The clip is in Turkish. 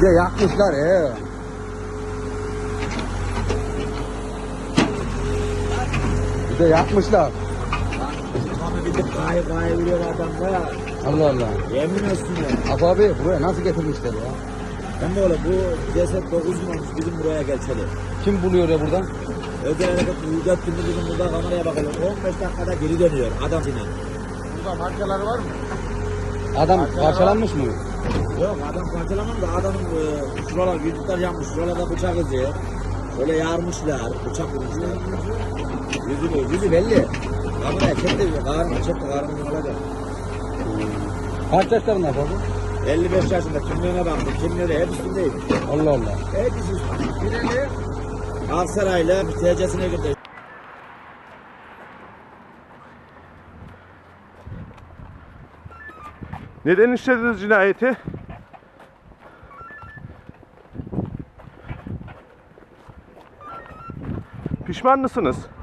de yakmışlar he. Bir de yakmışlar. Abi bir de kaya biliyor adamda. Allah Allah. Yemin olsun ya. Apo abi buraya nasıl getirmişler ya? Ben de öyle bu ceset 9 mu olmuş bizim buraya geçeli. Kim buluyor ya buradan? Özel hareket Müjdat Günü bizim burada kameraya bakalım. 15 dakikada geri dönüyor adam yine. Burada markaları var mı? Adam parçalanmış mı? Yok adam parçalamam da adamın şuralar yüzükler yanmış. Şuralarda bıçak izi. Böyle yarmışlar. Bıçak vurmuşlar. Yüzü belli. Kameraya çekti. Karnını alacak. Kaç yaşlarında Apo abi? 55 yaşında kimliğine baktım. Kimliğine hep üstündeyim. Allah Allah. Hep üstünde. Aksaray'la TC'sine girdi. Neden işlediniz cinayeti? Pişman mısınız?